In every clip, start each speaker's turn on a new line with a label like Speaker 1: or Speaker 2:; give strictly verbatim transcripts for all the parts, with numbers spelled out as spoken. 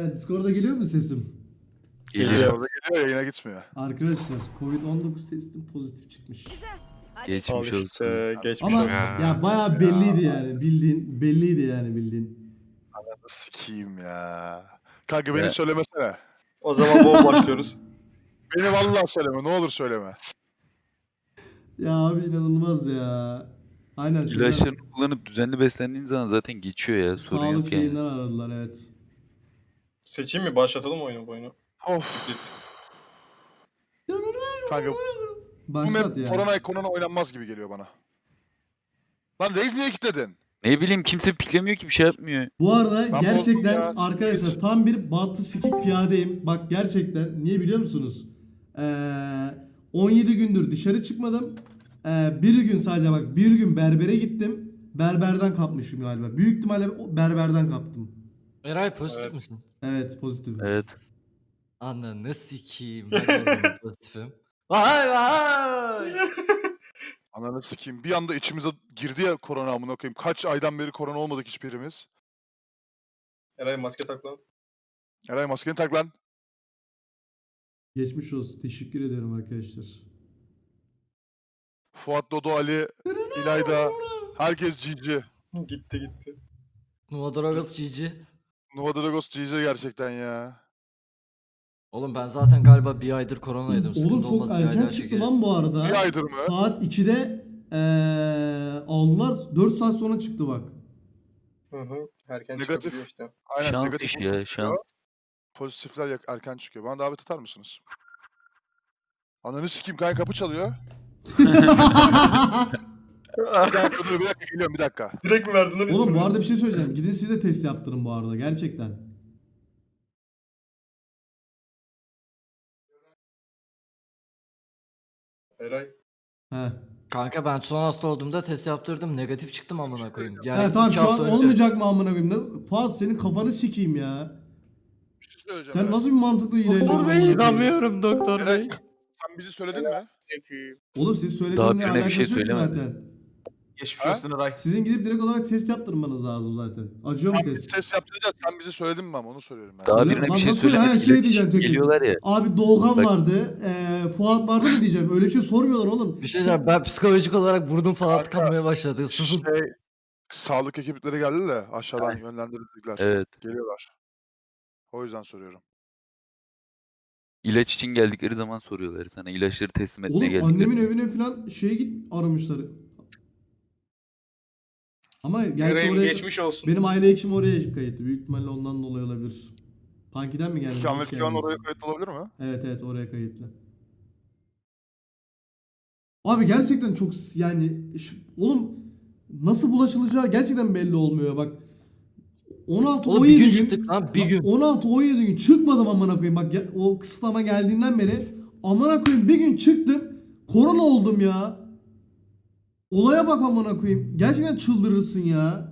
Speaker 1: He, Discord'a geliyor mu sesim?
Speaker 2: Geliyor.
Speaker 3: Orada geliyor, yayına gitmiyor.
Speaker 1: Arkadaşlar Covid on dokuz testim pozitif çıkmış.
Speaker 2: Geçmiş
Speaker 4: Al
Speaker 2: olsun.
Speaker 4: işte, geçmiş
Speaker 1: Ama
Speaker 4: olsun.
Speaker 1: ya bayağı belliydi yani bildiğin belliydi yani bildiğin.
Speaker 3: Ananı sikeyim ya. Kanka beni
Speaker 2: Ya.
Speaker 3: söylemesene.
Speaker 4: O zaman bol başlıyoruz.
Speaker 3: Beni vallahi söyleme, ne olur söyleme.
Speaker 1: Ya abi inanılmaz ya. Aynen şeyler,
Speaker 2: İlaçlarını kullanıp düzenli beslendiğin zaman zaten geçiyor ya. Sorun
Speaker 1: sağlık
Speaker 2: yok yani.
Speaker 1: yayından aradılar evet.
Speaker 4: Seçeyim mi? Başlatalım oyunu bu oyunu.
Speaker 3: Of. Kanka bu
Speaker 1: Başlat
Speaker 3: map
Speaker 1: ya.
Speaker 3: korona korona oynanmaz gibi geliyor bana. Lan Reis niye kilitledin?
Speaker 2: Ne bileyim kimse piklemiyor ki bir şey yapmıyor.
Speaker 1: Bu arada
Speaker 3: Ben bozdum
Speaker 1: gerçekten
Speaker 3: ya,
Speaker 1: arkadaşlar
Speaker 3: siktir.
Speaker 1: tam bir bantı sikik piyadeyim. Bak gerçekten niye biliyor musunuz? Ee, on yedi gündür dışarı çıkmadım. Ee, bir gün sadece bak bir gün berbere gittim. Berberden kapmışım galiba. Büyük ihtimalle o berberden kaptım.
Speaker 5: Eray pozitif
Speaker 4: Evet.
Speaker 5: misin?
Speaker 1: Evet pozitif.
Speaker 2: Evet.
Speaker 5: Ananı sikeyim. Ben de pozitifim. Vay vay.
Speaker 3: Ananı sikeyim. Bir anda içimize girdi ya korona amına koyayım. Kaç aydan beri korona olmadık hiçbirimiz.
Speaker 4: Eray maske tak lan.
Speaker 3: Eray maskeni tak lan.
Speaker 1: Geçmiş olsun. Teşekkür ediyorum arkadaşlar.
Speaker 3: Fuat, Dodo, Ali, İlayda. Herkes G G.
Speaker 4: Gitti gitti.
Speaker 5: Nova Dragos G G.
Speaker 3: Nova Dragos G G gerçekten ya.
Speaker 5: Oğlum ben zaten galiba bir aydır koronaydım.
Speaker 1: Oğlum
Speaker 5: Sıkıntı
Speaker 1: çok
Speaker 5: olmaz, bir ay
Speaker 1: erken
Speaker 5: daha
Speaker 1: çıktı
Speaker 5: çekeriz.
Speaker 1: lan bu arada.
Speaker 3: Bir aydır mı?
Speaker 1: Saat ikide ee, aldılar. dört saat sonra çıktı bak.
Speaker 4: Hı hı. Erken
Speaker 3: Negatif.
Speaker 4: çıkabiliyor işte.
Speaker 3: Aynen
Speaker 2: Şans
Speaker 3: negatif
Speaker 2: işi ya
Speaker 3: çıkıyor.
Speaker 2: şans.
Speaker 3: Pozitifler yak- erken çıkıyor. Bana davet atar mısınız? Ananı sikeyim kanka, kapı çalıyor. Bir dakika dur, bir dakika geliyorum, bir dakika.
Speaker 4: Direkt mi verdin lan
Speaker 1: Oğlum
Speaker 4: ismini?
Speaker 1: bu arada bir şey söyleyeceğim. Gidin siz de test yaptırın bu arada gerçekten.
Speaker 4: Eray.
Speaker 1: He.
Speaker 5: Kanka ben son hasta olduğumda test yaptırdım. Negatif çıktım amına koyayım. Yani
Speaker 1: He tamam
Speaker 5: iki
Speaker 1: şu an
Speaker 5: hafta önce.
Speaker 1: olmayacak mı amına koyayım? Ne- Fuat senin kafanı sikeyim ya.
Speaker 3: Bir şey söyleyeceğim.
Speaker 1: Sen
Speaker 3: Eray.
Speaker 1: nasıl bir mantıklı ilerliyorsun? amına koyayım?
Speaker 5: inanmıyorum doktor
Speaker 3: Eray,
Speaker 5: bey.
Speaker 3: sen bizi söyledin mi?
Speaker 1: Oğlum siz
Speaker 2: Daha
Speaker 1: söylediğinle
Speaker 2: birine bir
Speaker 1: alakası
Speaker 2: şey
Speaker 1: yok ki
Speaker 2: söylemedi.
Speaker 1: zaten.
Speaker 6: Geçmiş
Speaker 3: Ha?
Speaker 6: olsun Eray.
Speaker 1: Sizin gidip direkt olarak test yaptırmanız lazım zaten. Acıyor mu
Speaker 3: Sen biz
Speaker 1: test?
Speaker 3: ses yaptıracağız, sen bizi söyledin mi ama onu soruyorum ben.
Speaker 2: Daha
Speaker 1: Söyle-
Speaker 2: birine
Speaker 1: Lan
Speaker 2: bir şey
Speaker 1: nasıl ya?
Speaker 2: söylemek
Speaker 1: Şey
Speaker 2: ilaç
Speaker 1: diyeceğim
Speaker 2: için
Speaker 1: tek tek.
Speaker 2: geliyorlar ya.
Speaker 1: Abi Doğukan
Speaker 2: Bak-
Speaker 1: vardı, eee Fuat vardı mı diyeceğim. Öyle bir şey sormuyorlar oğlum.
Speaker 5: Bir şey diyeceğim, ben psikolojik olarak burnum falan
Speaker 3: Kanka,
Speaker 5: tıkanmaya başladı. Susun.
Speaker 3: Şey, sağlık ekipleri geldi de aşağıdan yönlendirdikler.
Speaker 2: Evet.
Speaker 3: Geliyorlar. O yüzden soruyorum.
Speaker 2: İlaç için geldikleri zaman soruyorlar sana. İlaçları teslim etmeye
Speaker 1: Oğlum
Speaker 2: geldikleri.
Speaker 1: annemin evine falan şeye git aramışlar. Ama gerçi
Speaker 6: Eray'ın
Speaker 1: oraya
Speaker 6: geçmiş olsun.
Speaker 1: benim aile hekimi oraya kayıtlı. Büyük ihtimalle ondan dolayı olabilir. Punky'den mi geldi? Hoş
Speaker 3: İkamet Kivan
Speaker 1: geldiniz.
Speaker 3: oraya kayıt olabilir mi?
Speaker 1: Evet evet oraya kayıtlı. Abi gerçekten çok s- yani şu- oğlum nasıl bulaşılacağı gerçekten belli olmuyor bak. on altı
Speaker 5: Oğlum
Speaker 1: on
Speaker 5: bir
Speaker 1: yedi
Speaker 5: gün
Speaker 1: gün
Speaker 5: çıktık lan, bir
Speaker 1: bak,
Speaker 5: gün.
Speaker 1: on altı on yedi gün çıkmadım amına koyayım bak ya- o kısıtlama geldiğinden beri amına koyayım bir gün çıktım korona oldum ya. Olaya bak amına koyayım. Gerçekten çıldırırsın ya.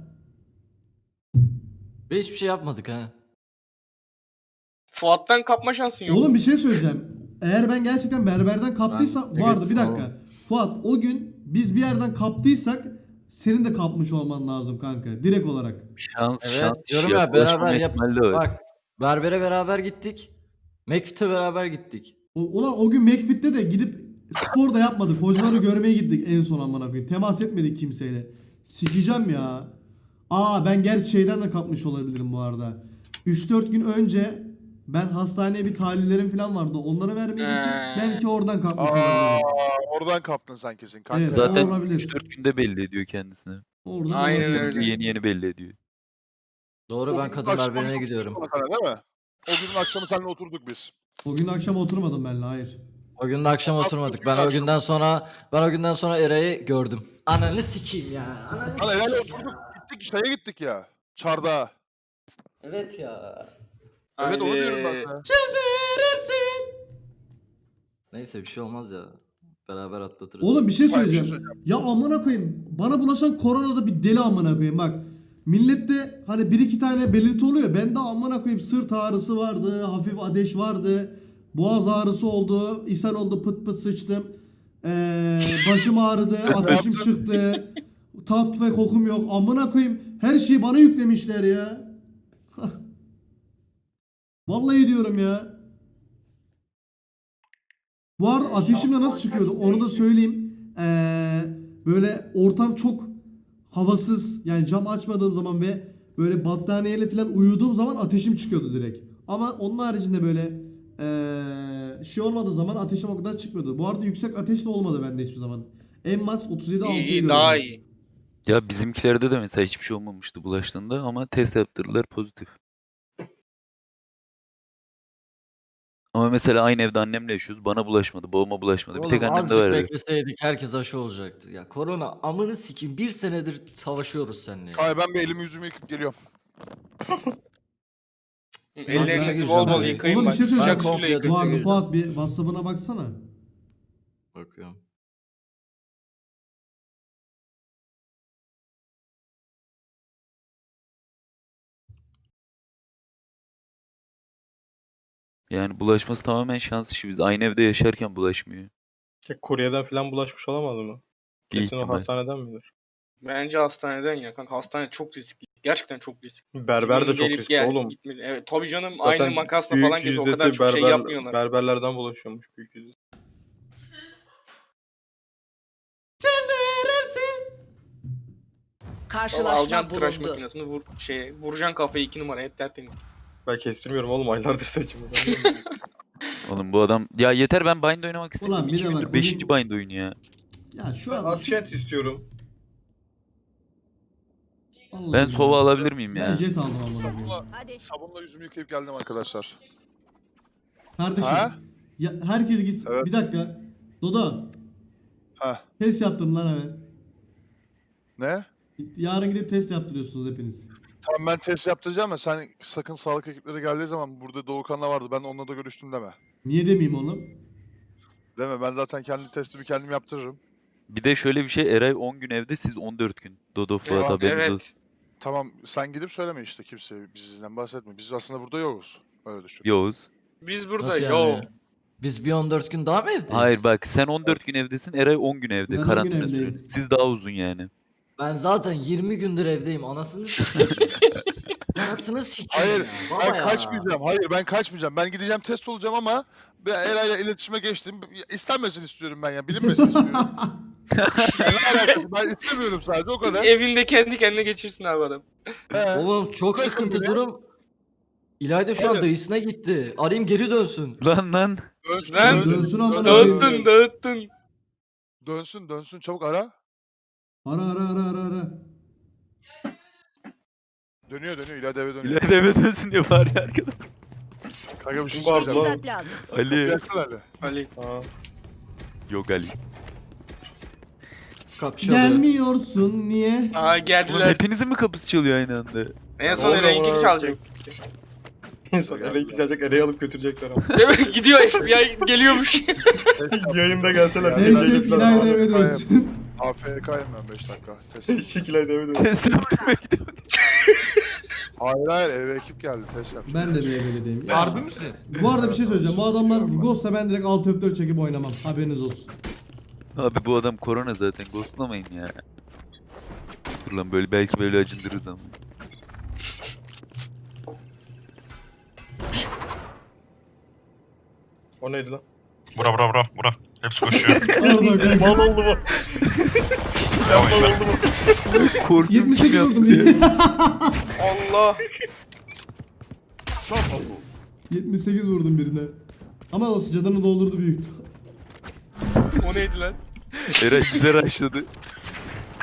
Speaker 5: Ve hiçbir şey yapmadık ha.
Speaker 6: Fuat'tan kapma şansın yok.
Speaker 1: Oğlum bir şey söyleyeceğim. Eğer ben gerçekten berberden kaptıysam
Speaker 5: Ben-
Speaker 1: vardı
Speaker 5: evet,
Speaker 1: bir dakika.
Speaker 5: tamam.
Speaker 1: Fuat o gün biz bir yerden kaptıysak senin de kapmış olman lazım kanka direkt olarak.
Speaker 2: Şans
Speaker 5: Evet
Speaker 2: şans işi
Speaker 5: diyorum
Speaker 2: ya.
Speaker 5: ya,
Speaker 2: Bulaşmama
Speaker 5: beraber yap.
Speaker 2: ihtimali de var.
Speaker 5: Bak berbere beraber gittik. McFit'e beraber gittik.
Speaker 1: O, ulan o gün McFit'te de gidip spor da yapmadık. Hocaları görmeye gittik en son amına koyayım. Temas etmedik kimseyle. Sikeceğim ya. Aa ben gerçi şeyden de kapmış olabilirim bu arada. üç dört gün önce ben hastaneye bir tahlillerim falan vardı. Onlara vermeye gittim.
Speaker 6: Ee.
Speaker 1: Belki oradan kapmış
Speaker 3: Aa,
Speaker 1: olabilirim.
Speaker 3: oradan kaptın sen kesin kanka.
Speaker 1: Evet.
Speaker 2: Zaten
Speaker 1: olabilir.
Speaker 2: üç dört günde belli ediyor kendisini.
Speaker 1: Oradan
Speaker 6: Aynen
Speaker 1: olabilir.
Speaker 6: öyle.
Speaker 2: Yeni yeni belli ediyor.
Speaker 5: Doğru,
Speaker 3: O
Speaker 5: ben
Speaker 3: gün
Speaker 5: kadın
Speaker 3: akşam
Speaker 5: berberine
Speaker 3: oturduk
Speaker 5: gidiyorum.
Speaker 3: sonra sana, değil mi? O günün akşamı seninle oturduk biz.
Speaker 1: O gün akşam oturmadım benle hayır.
Speaker 5: O gün de akşam
Speaker 3: Akşam
Speaker 5: oturmadık. Ben o
Speaker 3: akşam.
Speaker 5: günden sonra ben o günden sonra Eray'ı gördüm. Ananı sikeyim ya. Ananı
Speaker 3: Hani herhalde oturduk, gittik şeye gittik ya. Çardağa.
Speaker 5: Evet ya.
Speaker 3: Evet onu
Speaker 6: Haydi.
Speaker 3: diyorum ben de.
Speaker 5: Neyse bir şey olmaz ya. Beraber atlatırız.
Speaker 1: Oğlum bir şey
Speaker 3: Hayır, bir şey
Speaker 1: söyleyeceğim. Ya amına koyayım. Bana bulaşan korona da bir deli amına koyayım bak. Millette hani bir iki tane belirti oluyor. Bende amına koyayım sırt ağrısı vardı, hafif ateş vardı. Boğaz ağrısı oldu, ishal oldu, pıt pıt sıçtım. Ee, başım ağrıdı, ateşim çıktı. Tat ve kokum yok. Amına koyayım. Her şeyi bana yüklemişler ya. Vallahi diyorum ya. Bu arada ateşimle nasıl çıkıyordu onu da söyleyeyim. Ee, böyle ortam çok havasız, yani cam açmadığım zaman ve böyle battaniyeyle falan uyuduğum zaman ateşim çıkıyordu direkt. Ama onun haricinde böyle ee, şey olmadığı zaman ateşim o kadar çıkmıyordu. Bu arada yüksek ateş de olmadı bende hiçbir zaman. En max otuz yedi altı
Speaker 6: İyi, iyi
Speaker 1: gördüm.
Speaker 6: daha iyi.
Speaker 2: Ya bizimkilerde de mesela hiçbir şey olmamıştı bulaştığında ama test yaptırdılar pozitif. Ama mesela aynı evde annemle yaşıyoruz. Bana bulaşmadı, babama bulaşmadı. Bir tek
Speaker 5: Oğlum
Speaker 2: annemde
Speaker 5: azıcık
Speaker 2: var.
Speaker 5: bekleseydik herkes aşı olacaktı. Ya korona amını sikim bir senedir savaşıyoruz seninle ya.
Speaker 3: Hayır ben bir elimi yüzümü yıkıp geliyorum.
Speaker 6: Ellerinizi
Speaker 5: gireceğim
Speaker 6: bol bol
Speaker 5: ben.
Speaker 6: yıkayın
Speaker 1: Oğlum bir
Speaker 6: bak.
Speaker 1: şey
Speaker 6: Sıcak
Speaker 1: söyleyeceğim.
Speaker 6: suyla yıkayın.
Speaker 1: Bu arada
Speaker 5: gireceğim.
Speaker 1: Fuat bir WhatsApp'ına baksana.
Speaker 5: Bakıyorum.
Speaker 2: Yani bulaşması tamamen şans işi. Biz aynı evde yaşarken bulaşmıyor.
Speaker 4: Ya Kore'den falan bulaşmış olamaz mı?
Speaker 2: İyi
Speaker 4: Kesin o
Speaker 2: ihtimal.
Speaker 4: hastaneden midir?
Speaker 6: Bence hastaneden ya kanka. Hastane çok riskli. Gerçekten çok riskli.
Speaker 4: Berber de
Speaker 6: Kimin
Speaker 4: çok
Speaker 6: gelip
Speaker 4: riskli
Speaker 6: gel-
Speaker 4: oğlum.
Speaker 6: gitmedi. Evet tabii canım
Speaker 4: Zaten
Speaker 6: aynı makasla
Speaker 4: büyük
Speaker 6: falan geziyor. O
Speaker 4: yüzdesi
Speaker 6: kadar çok şey
Speaker 4: berber-
Speaker 6: yapmıyorlar.
Speaker 4: Berberlerden bulaşıyormuş büyük yüzdesi.
Speaker 6: Vallahi
Speaker 7: Karşılaşma
Speaker 6: alacaksın tıraş
Speaker 7: bulundu.
Speaker 6: makinesini vur şeye vuracaksın kafayı iki numara hep tertemiz.
Speaker 4: Ben kestirmiyorum oğlum aylardır saçımı.
Speaker 2: Oğlum bu adam... Ya yeter ben bind oynamak
Speaker 1: Ulan
Speaker 2: istemiyorum.
Speaker 1: bir
Speaker 2: İki
Speaker 1: de bak,
Speaker 2: gündür beşinci
Speaker 1: bugün-
Speaker 2: bind oyunu ya.
Speaker 1: Ya şu
Speaker 4: Ben
Speaker 1: an
Speaker 4: Askent istiyorum.
Speaker 1: Vallahi
Speaker 2: Ben
Speaker 1: billahi.
Speaker 2: sova alabilir miyim
Speaker 1: Ben
Speaker 2: ya?
Speaker 1: jet aldım amına koyayım.
Speaker 3: Sabunla,
Speaker 7: Hadi.
Speaker 3: sabunla yüzümü yıkayıp geldim arkadaşlar.
Speaker 1: Kardeşim.
Speaker 3: Ha?
Speaker 1: Ya herkes gitsin.
Speaker 3: Evet.
Speaker 1: Bir dakika. Dodo.
Speaker 3: Ha.
Speaker 1: Test yaptım lan hemen.
Speaker 3: Ne?
Speaker 1: Yarın gidip test yaptırıyorsunuz hepiniz.
Speaker 3: Tamam ben test yaptıracağım ya sen sakın sağlık ekipleri geldiği zaman burada Doğukan'la vardı ben onunla da görüştüm deme.
Speaker 1: Niye demeyeyim oğlum?
Speaker 3: Deme ben zaten kendi testimi kendim yaptırırım.
Speaker 2: Bir de şöyle bir şey, Eray on gün evde, siz on dört gün. Dodo Fuat
Speaker 6: Evet,
Speaker 2: haberiniz olsun.
Speaker 6: evet.
Speaker 3: Tamam sen gidip söyleme işte kimseye bizden bahsetme. Biz aslında burada yokuz. Öyle düşün.
Speaker 2: Yavuz.
Speaker 6: Biz burada
Speaker 5: Nasıl
Speaker 6: yo.
Speaker 5: yani? Biz bir on dört gün daha mı evdeyiz?
Speaker 2: Hayır bak sen on dört gün evdesin, Eray on gün evde
Speaker 1: Ben on gün
Speaker 2: karantina
Speaker 1: evdeyim.
Speaker 2: süresi. Siz daha uzun yani.
Speaker 5: Ben zaten yirmi gündür evdeyim anasını sikeyim. Anasını sikeyim
Speaker 3: Hayır,
Speaker 5: ya. Baba
Speaker 3: Ben
Speaker 5: ya.
Speaker 3: kaçmayacağım. Hayır ben kaçmayacağım. Ben gideceğim test olacağım ama ben Eray'la iletişime geçtim. İstenmesin istiyorum ben ya. Bilinmesin istiyorum. Ya ne alakası? Ben istemiyorum sadece o kadar.
Speaker 6: Evinde kendi kendine geçirsin abi adam.
Speaker 3: He.
Speaker 5: Oğlum çok
Speaker 3: Bakın
Speaker 5: sıkıntı
Speaker 3: buraya.
Speaker 5: durum. İlayda şu an
Speaker 3: Evet.
Speaker 5: dayısına gitti. Arayayım geri dönsün.
Speaker 2: Lan lan.
Speaker 3: Dönsün,
Speaker 6: Lan.
Speaker 3: dönsün,
Speaker 1: Dönsün amına
Speaker 3: dönsün,
Speaker 6: Dağıttın dağıttın.
Speaker 3: dönsün, dönsün. Çabuk ara.
Speaker 1: Ara ara ara ara ara.
Speaker 3: Dönüyor dönüyor. İleride eve dönüyor.
Speaker 2: İleride eve dönsün diye bağırıyor arkada.
Speaker 3: Kanka bir şey
Speaker 4: Kim var
Speaker 3: söyleyeceğim.
Speaker 4: lan?
Speaker 7: Teçhizat lazım.
Speaker 2: Ali.
Speaker 3: Gelsene Ali.
Speaker 6: Ali.
Speaker 4: Ha.
Speaker 2: Yok Ali.
Speaker 5: Kapı çalıyor.
Speaker 1: Gelmiyorsun niye?
Speaker 6: Aha
Speaker 2: Ulan
Speaker 6: geldiler.
Speaker 2: hepinizin mi kapısı çalıyor aynı anda?
Speaker 6: En son
Speaker 4: Oğlum,
Speaker 6: Eray'ınkini
Speaker 4: oğlum.
Speaker 6: çalacak.
Speaker 4: En son Eray'ı çalacak Eray'ı alıp götürecekler ama.
Speaker 6: Değil mi? Gidiyor F B I geliyormuş.
Speaker 4: Yayında gelseler.
Speaker 3: Ya,
Speaker 4: Sekiz
Speaker 1: Hashtag
Speaker 4: ayda falan
Speaker 1: İlayda
Speaker 4: abi.
Speaker 1: eve dönsün.
Speaker 3: A F K'yım ben beş dakika. Test.
Speaker 4: Sekiz ayda eve dön.
Speaker 2: Test yaptırmaya gidiyorum.
Speaker 3: Hayır hayır eve ekip geldi. Test yapacağım.
Speaker 1: Ben de bir evdeyim.
Speaker 5: Harbi misin?
Speaker 1: Bu arada bir şey söyleyeceğim. Bu adamlar Ghost'sa ben direkt alt F dört çekip oynamam. Haberiniz olsun.
Speaker 2: Abi bu adam korona zaten, ghostlamayın ya. Dur lan böyle belki böyle acındırırız ama.
Speaker 4: O neydi lan?
Speaker 8: Bura bura bura bura. Hepsi koşuyor.
Speaker 1: Orada ben
Speaker 4: Mal oldu mu?
Speaker 8: Devam et.
Speaker 4: Mal oldu mu?
Speaker 2: Korkuyorum
Speaker 1: yetmiş sekiz
Speaker 2: kim
Speaker 1: vurdum
Speaker 2: yaptı
Speaker 1: diye.
Speaker 6: Allah.
Speaker 1: yetmiş sekiz vurdum birine. Ama o canını doldurdu büyük.
Speaker 6: O neydi lan?
Speaker 2: Eray bize rushladı.